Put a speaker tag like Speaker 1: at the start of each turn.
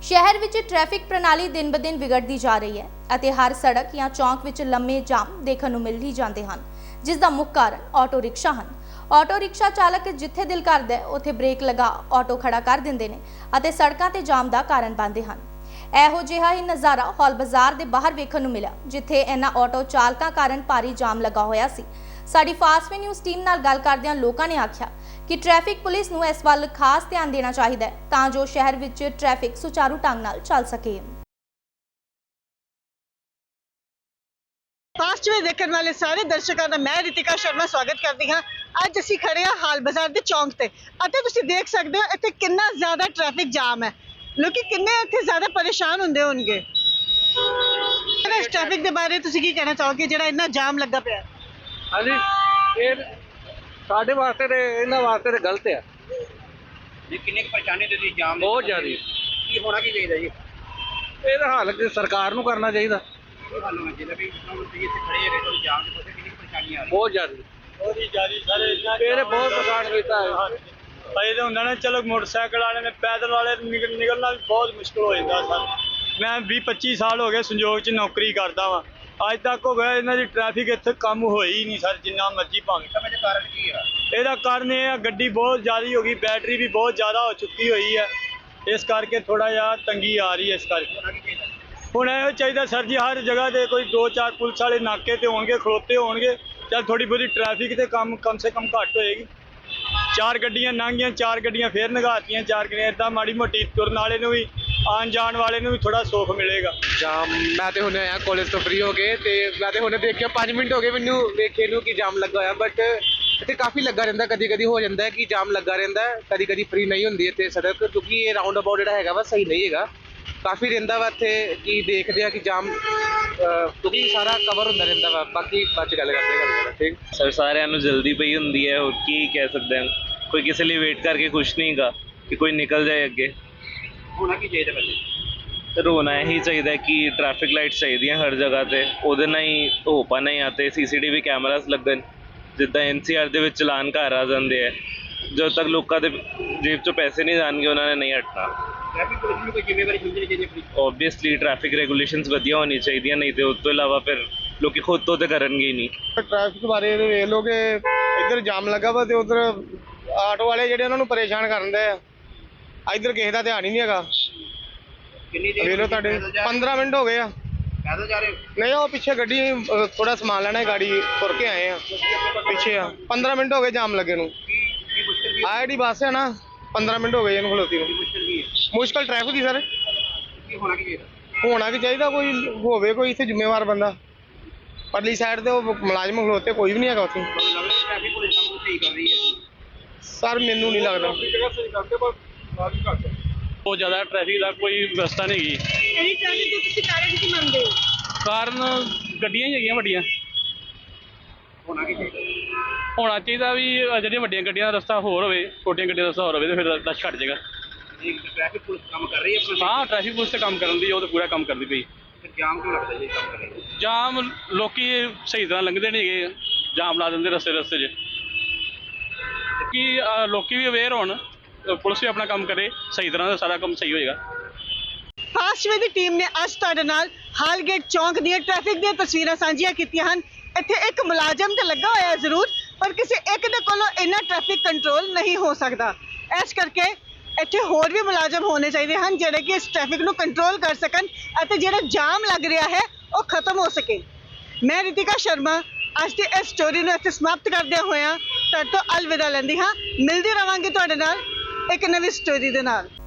Speaker 1: शहर विच ट्रैफिक प्रणाली दिन ब दिन बिगड़ती जा रही है ਅਤੇ हर सड़क या चौंक विच लंबे जाम देखने ਨੂੰ मिल ही जाते हैं, जिस ਦਾ ਮੁੱਖ ਕਾਰਨ ਆਟੋ ਰਿਕਸ਼ਾ ਹਨ। ਆਟੋ ਰਿਕਸ਼ਾ ਚਾਲਕ ਜਿੱਥੇ ਦਿਲ ਕਰਦਾ ਹੈ ਉੱਥੇ ਬ੍ਰੇਕ ਲਗਾ ਆਟੋ ਖੜਾ ਕਰ ਦਿੰਦੇ ਨੇ ਅਤੇ ਸੜਕਾਂ ਤੇ ਜਾਮ ਦਾ ਕਾਰਨ ਬਣਦੇ ਹਨ। ਇਹੋ ਜਿਹਾ ਹੀ ਨਜ਼ਾਰਾ ਹੌਲ ਬਾਜ਼ਾਰ ਦੇ ਬਾਹਰ ਵੇਖਣ ਨੂੰ ਮਿਲਿਆ, ਜਿੱਥੇ ਇਹਨਾਂ ਆਟੋ ਚਾਲਕਾਂ ਕਾਰਨ ਭਾਰੀ ਜਾਮ ਲੱਗਾ ਹੋਇਆ ਸੀ। ਸਾਡੀ ਫਾਸਟ ਵੇ ਨਿਊਜ਼ ਟੀਮ ਨਾਲ ਗੱਲ ਕਰਦਿਆਂ ਲੋਕਾਂ ਨੇ ਆਖਿਆ कि ट्रैफिक पुलिस ਨੂੰ ਇਸ ਵੱਲ ਖਾਸ ਧਿਆਨ ਦੇਣਾ ਚਾਹੀਦਾ ਹੈ ਤਾਂ ਜੋ ਸ਼ਹਿਰ ਵਿੱਚ ट्रैफिक ਸੁਚਾਰੂ ਢੰਗ ਨਾਲ ਚੱਲ ਸਕੇ।
Speaker 2: फास्ट वे देखने वाले सारे दर्शकों का मैं रितिका शर्मा स्वागत करती हाँ। अज असीं खड़े हाँ हाल बाजार के चौंक ते अते तुसीं देख सकते हो इत्थे कितना ज़्यादा ट्रैफिक जाम है, लोग किन्ने इत्थे ज़्यादा परेशान हुंदे होणगे। इस ट्रैफिक के बारे तुसीं की कहना चाहोगे जिहड़ा इन्ना जाम लगा पिया?
Speaker 3: हाँ जी, ये साढ़े वास्ते ते इन्हां वास्ते ते गलत है
Speaker 4: जी। किन्नी परेशानी ते जाम
Speaker 3: बहुत ज़्यादा
Speaker 4: की होना की चाहिए जी?
Speaker 3: ਇਹਦਾ ਹੱਲ ਸਰਕਾਰ ਨੂੰ ਕਰਨਾ ਚਾਹੀਦਾ।
Speaker 4: ਇਹ ਹੱਲ ਹੋਣਾ ਚਾਹੀਦਾ ਵੀ ਤੁਸੀਂ ਇੱਥੇ ਖੜੇ ਹੈਗੇ ਤਾਂ ਜਾਮ ਦੇ ਪਾਸੇ ਕਿੰਨੀ ਪਰੇਸ਼ਾਨੀ ਆ ਰਹੀ
Speaker 3: ਬਹੁਤ ਜ਼ਿਆਦਾ ਸਾਰੇ ਇਹਨੇ ਬਹੁਤ ਪ੍ਰਕਾਸ਼ ਕੀਤਾ ਹੈ।
Speaker 5: ਭਾਈ ਤਾਂ ਹੁੰਦਾ ਨਾ, ਚਲੋ ਮੋਟਰਸਾਈਕਲ ਵਾਲੇ ਨੇ ਪੈਦਲ ਵਾਲੇ ਨਿਕਲਣਾ ਵੀ ਬਹੁਤ ਮੁਸ਼ਕਲ ਹੋ ਜਾਂਦਾ ਸਰ। ਮੈਂ 20-25 ਸਾਲ ਹੋ ਗਏ ਸੰਯੋਗ 'ਚ ਨੌਕਰੀ ਕਰਦਾ ਵਾਂ, ਅੱਜ ਤੱਕ ਹੋ ਗਿਆ ਇਹਨਾਂ ਦੀ ਟ੍ਰੈਫਿਕ ਇੱਥੇ ਕੰਮ ਹੋਈ ਹੀ ਨਹੀਂ ਸਰ, ਜਿੰਨਾ ਮਰਜ਼ੀ ਭਾਵੇਂ।
Speaker 4: ਇਹਦਾ ਕਾਰਨ ਕੀ ਆ?
Speaker 5: ਇਹਦਾ ਕਾਰਨ ਇਹ ਆ ਗੱਡੀ ਬਹੁਤ ਜ਼ਿਆਦਾ ਹੋ ਗਈ, ਬੈਟਰੀ ਵੀ ਬਹੁਤ ਜ਼ਿਆਦਾ ਹੋ ਚੁੱਕੀ ਹੋਈ ਹੈ, ਇਸ ਕਰਕੇ ਥੋੜਾ ਜਿਹਾ ਤੰਗੀ ਆ ਰਹੀ ਹੈ। ਇਸ ਕਰਕੇ ਹੁਣ ਇਹੋ ਚਾਹੀਦਾ ਸਰ ਜੀ, ਹਰ ਜਗ੍ਹਾ ਤੇ ਕੋਈ 2-4 ਪੁਲਿਸ ਵਾਲੇ ਨਾਕੇ ਤੇ ਹੋਣਗੇ, ਖਲੋਤੇ ਹੋਣਗੇ, ਚੱਲ ਥੋੜੀ ਬਹੁਤੀ ਟ੍ਰੈਫਿਕ ਤੇ ਕਮ ਸੇ ਕਮ ਘੱਟ ਹੋਏਗੀ। 4 ਗੱਡੀਆਂ ਲੰਘੀਆਂ, 4 ਗੱਡੀਆਂ ਫੇਰ ਨਗਾਤੀਆਂ, 4 ਗੱਡੀਆਂ ਇੱਦਾਂ ਮਾੜੀ ਮੋਟੀ ਤੁਰਨ ਵਾਲੇ ਨੂੰ ਵੀ, ਆਉਣ ਜਾਣ ਵਾਲੇ ਨੂੰ ਵੀ ਥੋੜਾ ਸੁੱਖ ਮਿਲੇਗਾ।
Speaker 3: ਜਾਮ ਮੈਂ ਤੇ ਹੁਣੇ ਆਇਆ ਕਾਲਜ ਤੋਂ ਫ੍ਰੀ ਹੋ ਕੇ, ਤੇ ਮੈਂ ਤੇ ਹੁਣੇ ਦੇਖਿਆ 5 ਮਿੰਟ ਹੋ ਗਏ ਮੈਨੂੰ ਵੇਖੇ ਨੂੰ ਕਿ ਜਾਮ ਲੱਗਾ ਹੋਇਆ, ਬਟ ਇੱਥੇ ਕਾਫੀ ਲੱਗਾ ਰਹਿੰਦਾ। ਕਦੀ ਕਦੀ ਹੋ ਜਾਂਦਾ ਹੈ ਕਿ ਜਾਮ ਲੱਗਾ ਰਹਿੰਦਾ, ਕਦੀ ਕਦੀ ਫ੍ਰੀ ਨਹੀਂ ਹੁੰਦੀ ਇੱਥੇ ਸੜਕ, ਕਿਉਂਕਿ ਇਹ ਰਾਉਂਡ ਅਬਾਊਟ ਜਿਹੜਾ ਹੈਗਾ ਵਾ ਸਹੀ ਨਹੀਂ ਹੈਗਾ, ਕਾਫੀ ਰਹਿੰਦਾ ਵਾ ਇੱਥੇ ਕਿ ਦੇਖਦੇ ਆ ਕਿ ਜਾਮ ਕਿਉਂਕਿ ਸਾਰਾ ਕਵਰ ਹੁੰਦਾ ਰਹਿੰਦਾ ਵਾ। ਬਾਕੀ ਬਾਅਦ 'ਚ ਗੱਲ ਕਰਦੇ ਹਾਂ। ਠੀਕ
Speaker 6: ਸਰ, ਸਾਰਿਆਂ ਨੂੰ ਜਲਦੀ ਪਈ ਹੁੰਦੀ ਹੈ, ਹੋਰ ਕੀ ਕਹਿ ਸਕਦੇ ਹਾਂ। ਕੋਈ ਕਿਸੇ ਲਈ ਵੇਟ ਕਰਕੇ ਖੁਸ਼ ਨਹੀਂ ਗਾ ਕਿ ਕੋਈ ਨਿਕਲ ਜਾਏ ਅੱਗੇ।
Speaker 4: ਹੋਣਾ ਕੀ ਚਾਹੀਦਾ ਵੈਸੇ?
Speaker 6: ਸਰ, ਹੋਣਾ ਇਹੀ ਚਾਹੀਦਾ ਕਿ ਟ੍ਰੈਫਿਕ ਲਾਈਟਸ ਚਾਹੀਦੀਆਂ ਹਰ ਜਗ੍ਹਾ ਤੇ, ਉਹਦੇ ਨਾਲ ਹੀ ਹੋ ਪਾਣਾ ਹੀ ਆਤੇ CCTV ਕੈਮਰਾਸ ਲੱਗਣ, ਜਿੱਦਾਂ NCR ਦੇ ਵਿੱਚ ਚਲਾਨ ਘਰ ਆ ਜਾਂਦੇ ਆ। ਜਦੋਂ ਤੱਕ ਲੋਕਾਂ ਦੇ ਜੇਬ 'ਚੋਂ ਪੈਸੇ ਨਹੀਂ ਜਾਣਗੇ ਉਹਨਾਂ ਨੇ ਨਹੀਂ ਹਟਣਾ।
Speaker 4: ਟ੍ਰੈਫਿਕ ਪੁਲਿਸ ਨੂੰ ਕੋਈ ਜ਼ਿੰਮੇਵਾਰੀ ਸਮਝਣੀ ਚਾਹੀਦੀ ਹੈ?
Speaker 6: ਓਬਵੀਅਸਲੀ ਟ੍ਰੈਫਿਕ ਰੈਗੂਲੇਸ਼ਨਸ ਵਧੀਆ ਹੋਣੀ ਚਾਹੀਦੀਆਂ, ਨਹੀਂ ਤੇ ਉਸ ਤੋਂ ਇਲਾਵਾ ਫਿਰ ਲੋਕੀ ਖੁਦ ਤੋਂ ਤੇ ਕਰਨਗੇ ਹੀ ਨਹੀਂ।
Speaker 7: ਟ੍ਰੈਫਿਕ ਬਾਰੇ ਵੇਖ ਲਓ ਕਿ ਇੱਧਰ ਜਾਮ ਲੱਗਾ ਵਾ ਤੇ ਉੱਧਰ ਆਟੋ ਵਾਲੇ ਜਿਹੜੇ ਉਹਨਾਂ ਨੂੰ ਪਰੇਸ਼ਾਨ ਕਰਨ ਦੇ ਆ, ਇੱਧਰ ਕਿਸੇ ਦਾ ਧਿਆਨ ਹੀ ਨਹੀਂ ਹੈਗਾ।
Speaker 4: ਕਿੰਨੀ ਦੇਰ
Speaker 7: ਵੇਖ ਲਓ ਤੁਹਾਡੇ 15 ਮਿੰਟ ਹੋ ਗਏ ਆ।
Speaker 4: ਪੈਦਲ ਜਾ ਰਹੇ ਹੋ?
Speaker 7: ਨਹੀਂ, ਉਹ ਪਿੱਛੇ ਗੱਡੀ ਥੋੜਾ ਸਮਾਨ ਲੈਣਾ, ਗਾੜੀ ਤੁਰ ਕੇ ਆਏ ਆ, ਪਿੱਛੇ ਆ। 15 ਮਿੰਟ ਹੋ ਗਏ ਜਾਮ ਲੱਗੇ ਨੂੰ।
Speaker 4: ਕੀ ਮੁਸ਼ਕਿਲ ਕੀ
Speaker 7: ਆਹ ਜਿਹੜੀ ਬੱਸ ਹੈ ਨਾ, 15 ਮਿੰਟ ਹੋ ਗਏ ਇਹਨੂੰ ਖਲੋਤੀ ਨੂੰ।
Speaker 4: ਮੁਸ਼ਕਿਲ ਕੀ ਹੈ?
Speaker 7: ਮੁਸ਼ਕਲ ਟ੍ਰੈਫਿਕ ਦੀ ਸਰ।
Speaker 4: ਕੀ ਹੋਣਾ ਕੀ ਚਾਹੀਦਾ?
Speaker 7: ਹੋਣਾ ਕੀ ਚਾਹੀਦਾ, ਕੋਈ ਹੋਵੇ ਕੋਈ ਇੱਥੇ ਜ਼ਿੰਮੇਵਾਰ ਬੰਦਾ। ਪਰਲੀ ਸਾਈਡ ਤੇ ਉਹ ਮੁਲਾਜ਼ਮ ਖਲੋਤੇ, ਕੋਈ ਵੀ ਨਹੀਂ ਹੈਗਾ ਉੱਥੇ।
Speaker 4: ਤੁਹਾਨੂੰ ਲੱਗਦਾ ਟ੍ਰੈਫਿਕ ਪੁਲਿਸ ਕੰਮ ਸਹੀ ਕਰ ਰਹੀ ਹੈ?
Speaker 7: ਸਰ ਮੈਨੂੰ ਨਹੀਂ ਲੱਗਦਾ।
Speaker 5: ਬਹੁਤ ਜ਼ਿਆਦਾ ਟ੍ਰੈਫਿਕ ਦਾ ਕੋਈ ਵਿਵਸਥਾ ਨਹੀਂ ਹੈਗੀ।
Speaker 2: ਇਹਦੀ ਟ੍ਰੈਫਿਕ ਦੇ ਤੁਸੀਂ ਕਾਰਨ ਕੀ ਮੰਨਦੇ ਹੋ?
Speaker 5: ਕਾਰਨ ਗੱਡੀਆਂ ਹੀ ਹੈਗੀਆਂ ਵੱਡੀਆਂ।
Speaker 4: ਹੋਣਾ ਕੀ ਚਾਹੀਦਾ?
Speaker 5: ਹੋਣਾ ਚਾਹੀਦਾ ਵੀ ਜਿਹੜੀਆਂ ਵੱਡੀਆਂ ਗੱਡੀਆਂ ਦਾ ਰਸਤਾ ਹੋਰ ਹੋਵੇ, ਛੋਟੀਆਂ ਗੱਡੀਆਂ ਦਾ ਰਸਤਾ ਹੋਰ ਹੋਵੇ, ਤੇ ਫਿਰ ਰਸ਼ ਘੱਟ ਜਾਏਗਾ।
Speaker 4: ਜੀ, ਟ੍ਰੈਫਿਕ ਪੁਲਿਸ ਕੰਮ ਕਰ ਰਹੀ ਹੈ ਆਪਣਾ?
Speaker 5: ਹਾਂ, ਟ੍ਰੈਫਿਕ ਪੁਲਿਸ ਤੇ ਕੰਮ ਕਰਨ ਦੀ, ਉਹ ਤਾਂ ਪੂਰਾ ਕੰਮ ਕਰਦੀ ਪਈ।
Speaker 4: ਫਿਰ ਜਾਮ ਕਿਉਂ ਲੱਗਦਾ ਜੀ ਕੰਮ ਕਰ ਰਹੀ ਹੈ?
Speaker 5: ਜਾਮ ਲੋਕੀ ਸਹੀ ਤਰ੍ਹਾਂ ਲੰਘਦੇ ਨਹੀਂ ਹੈਗੇ, ਜਾਮ ਲਾ ਦਿੰਦੇ ਰਸਤੇ 'ਚ। ਕਿ ਲੋਕੀ ਵੀ ਅਵੇਅਰ ਹੋਣ, ਪੁਲਿਸ ਵੀ ਆਪਣਾ ਕੰਮ ਕਰੇ ਸਹੀ ਤਰ੍ਹਾਂ ਦਾ, ਸਾਰਾ ਕੰਮ ਸਹੀ ਹੋਏਗਾ।
Speaker 2: ਫਾਸਟ ਵੇ ਦੀ ਟੀਮ ਨੇ ਅੱਜ ਤੁਹਾਡੇ ਨਾਲ ਹਾਲਗੇਟ ਚੌਂਕ ਦੀਆਂ ਟ੍ਰੈਫਿਕ ਦੀਆਂ ਤਸਵੀਰਾਂ ਸਾਂਝੀਆਂ ਕੀਤੀਆਂ ਹਨ। ਇੱਥੇ ਇੱਕ ਮੁਲਾਜ਼ਮ ਤੇ ਲੱਗਾ ਹੋਇਆ ਜ਼ਰੂਰ, ਪਰ ਕਿਸੇ ਇੱਕ ਦੇ ਕੋਲੋਂ ਇੰਨਾ ਟ੍ਰੈਫਿਕ ਕੰਟਰੋਲ ਨਹੀਂ ਹੋ ਸਕਦਾ। ਇਸ ਕਰਕੇ ਇੱਥੇ ਹੋਰ ਵੀ ਮੁਲਾਜ਼ਮ ਹੋਣੇ ਚਾਹੀਦੇ ਹਨ ਜਿਹੜੇ ਕਿ ਇਸ ਟ੍ਰੈਫਿਕ ਨੂੰ ਕੰਟਰੋਲ ਕਰ ਸਕਣ ਅਤੇ ਜਿਹੜਾ ਜਾਮ ਲੱਗ ਰਿਹਾ ਹੈ ਉਹ ਖਤਮ ਹੋ ਸਕੇ। ਮੈਂ ਰਿਤਿਕਾ ਸ਼ਰਮਾ ਅੱਜ ਦੀ ਇਸ ਸਟੋਰੀ ਨੂੰ ਇੱਥੇ ਸਮਾਪਤ ਕਰਦਿਆਂ ਹੋਇਆਂ ਤੁਹਾਡੇ ਤੋਂ ਅਲਵਿਦਾ ਲੈਂਦੀ ਹਾਂ। ਮਿਲਦੀ ਰਵਾਂਗੀ ਤੁਹਾਡੇ ਨਾਲ ਇੱਕ ਨਵੀਂ ਸਟੋਰੀ ਦੇ ਨਾਲ।